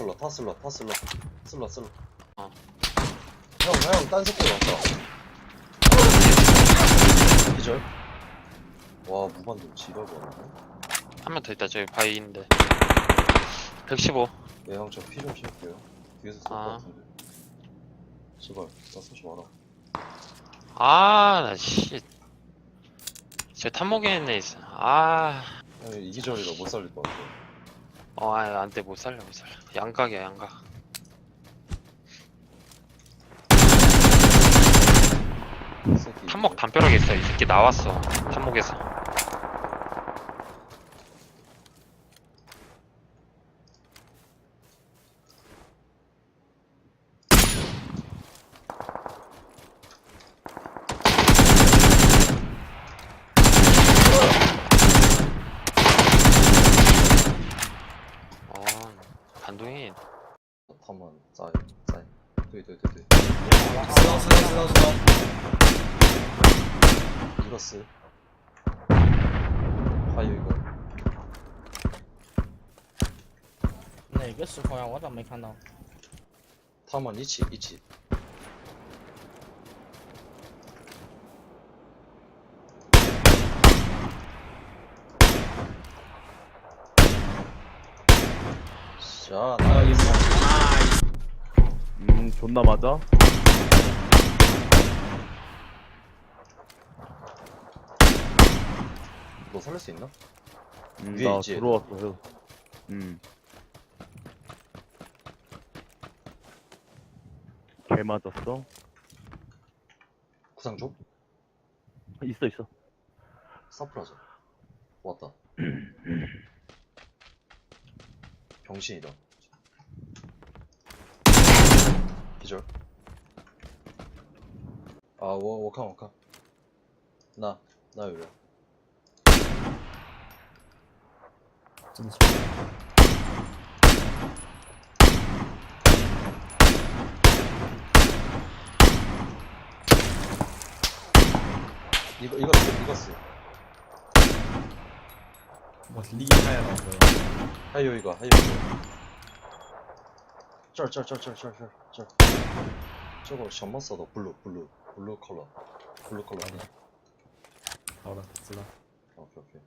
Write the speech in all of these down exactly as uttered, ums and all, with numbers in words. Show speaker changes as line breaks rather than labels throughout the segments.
쓸러 다 쓸러 다 쓸러 쓸러 쓸러
어.
형, 형, 딴 새끼 왔다. 기절. 와, 무반동 지랄이 왔네.
한 명 더 있다. 저기 바위 있는데. 백십오.
네, 형, 저 피 좀 쉴게요. 뒤에서 쏠 것
아.
같은데. 제발, 나 쏘지 마라.
아, 나 씨. 저 탐목에 있네 있어. 아.
형, 이 기절이라 못 살릴 것 같아.
어, 아, 안 돼. 못 살려, 못 살려. 양각이야, 양각.
이 새끼.
탐목 담벼락에 있어. 이 새끼 나왔어. 탐목에서. 어, 반동이.
他们在在，对对对对，
知道知道知道知道。
一个死，还有一个
哪个时空呀？我咋没看到？
他们一起一起。자,
아,
나
이거. 나이스.
음 존나 맞아?
너 살릴 수 있나?
음,
위에
나
있지,
들어왔어요. 음. 개 맞았어?
구상 줘?
있어 있어.
사프라자. 왔다. 병신이다. 기절. 아, 我我看我看。那那有人。
真的是。
一个一个死一个死，
我厉害啊，老哥！
还有一个还有一个，这儿这儿这儿这儿这儿这儿这儿，这个什么色的 blue blue blue color blue color。
好的，知道。
OK OK。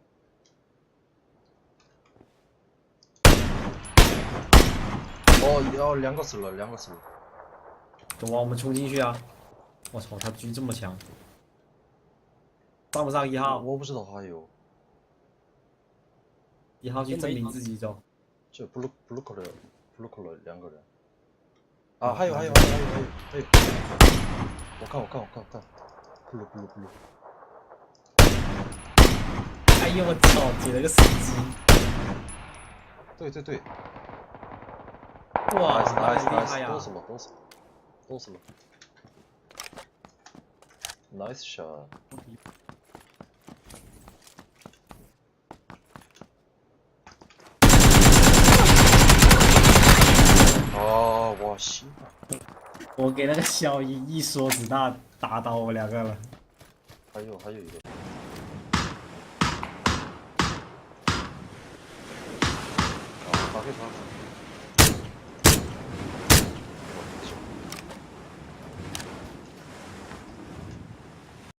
哦，要两个死了，两个死了。
走啊，我们冲进去啊！我操，他狙这么强，上不上一号？
我不知道还有，
一号去证明自己走。
这 blue blue color blue color 两个人。啊，还有还有还有还有还有还有，我看我看我看我看 blue blue blue。
哎呦我操，捡了个死机！
对对对，
哇，
nice
好
nice
厉害
nice，
呀！
都死了都死了都死了 ，nice shot。哦，我西。
我给那个小一一梭子弹打倒我两个了。
还有还有一个。啊，打给他。